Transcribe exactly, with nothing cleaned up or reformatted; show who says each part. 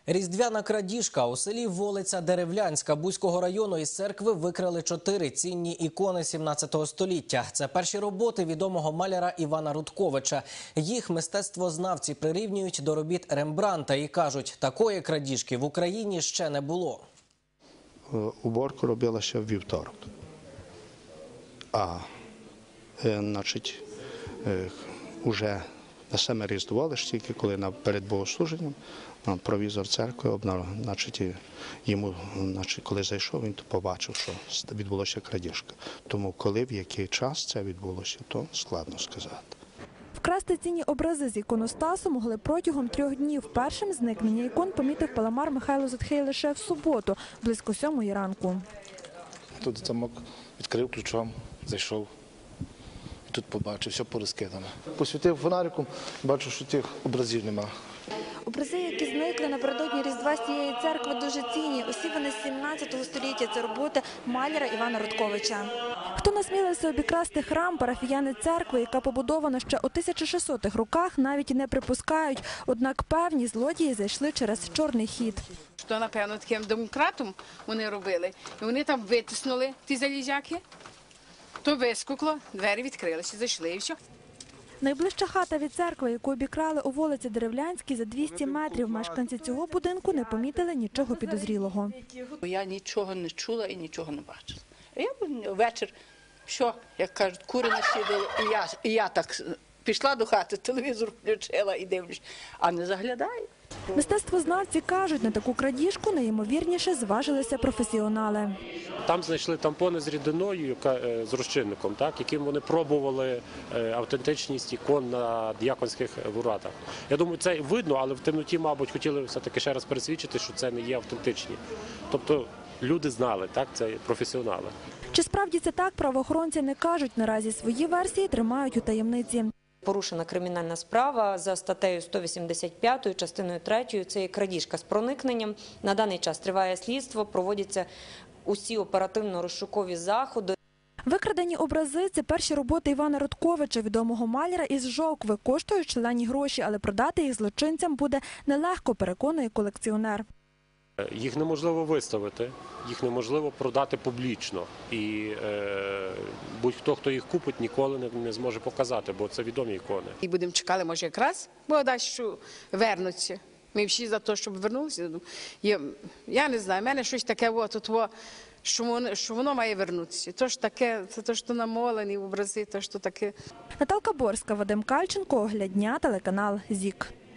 Speaker 1: Різдвяна крадіжка. У селі Волиця Деревлянська Буського району із церкви викрали чотири цінні ікони сімнадцятого століття. Це перші роботи відомого маляра Івана Рудковича. Їх мистецтвознавці прирівнюють до робіт Рембрандта і кажуть, такої крадіжки в Україні ще не було.
Speaker 2: Уборку робила ще в вівторок. А, значить, уже на саме Різдво, лише тільки коли перед богослуженням провізор церкви обнаружив, значить, йому, значить, коли зайшов, він побачив, що відбулося крадіжка. Тому коли, в який час це відбулося, то складно сказати.
Speaker 3: Вкрасти цінні образи з іконостасу могли протягом трьох днів. Першим зникнення ікон помітив паламар Михайло Затхей лише в суботу, близько сьомої ранку.
Speaker 4: Тут замок відкрив ключом, зайшов. І тут побачив, все порозкидано. Посвітив фонариком, бачу, що тих образів нема.
Speaker 3: Образи, які зникли напередодні Різдва з цієї церкви, дуже цінні. Усі вони з сімнадцятого століття. Це роботи маляра Івана Рудковича. Хто насмілився обікрасти храм, парафіяни церкви, яка побудована ще у тисяча шістсотих роках, навіть не припускають. Однак певні злодії зайшли через чорний хід.
Speaker 5: Що, напевно, таким домкратом вони робили. І вони там витиснули ті залізяки, то вискукло, двері відкрилися, зайшли і все.
Speaker 3: Найближча хата від церкви, яку обікрали у вулиці Деревлянській, за двісті метрів. Мешканці цього будинку не помітили нічого підозрілого.
Speaker 6: Я нічого не чула і нічого не бачила. Я ввечері, що, як кажуть, кури насідали, і я, і я так пішла до хати, телевізор включила і дивлюсь, а не заглядаю.
Speaker 3: Мистецтвознавці кажуть, на таку крадіжку найімовірніше зважилися професіонали.
Speaker 7: Там знайшли тампони з рідиною, з розчинником, так, яким вони пробували автентичність ікон на діяконських воротах. Я думаю, це видно, але в темноті, мабуть, хотіли все-таки ще раз пересвідчити, що це не є автентичні. Тобто люди знали, так, це професіонали.
Speaker 3: Чи справді це так, правоохоронці не кажуть. Наразі свої версії тримають у таємниці.
Speaker 8: Порушена кримінальна справа за статтею сто вісімдесят п'ятою, частиною третьою. Це є крадіжка з проникненням. На даний час триває слідство, проводяться усі оперативно-розшукові заходи.
Speaker 3: Викрадені образи – це перші роботи Івана Рудковича, відомого маляра із Жовкви. Коштують шалені гроші, але продати їх злочинцям буде нелегко, переконує колекціонер.
Speaker 7: Їх неможливо виставити, їх неможливо продати публічно. І е, будь-хто, хто їх купить, ніколи не, не зможе показати, бо це відомі ікони.
Speaker 5: І будемо чекати, може, якраз, бо дасть, що вернуться. Ми всі за те, щоб вернулися. Я, я не знаю, в мене щось таке, от, от, що, воно, що воно має вернутися. То ж таке, це те, що намолені образи, то, що таке.
Speaker 3: Наталка Борська, Вадим Кальченко, Огляд дня, телеканал ЗІК.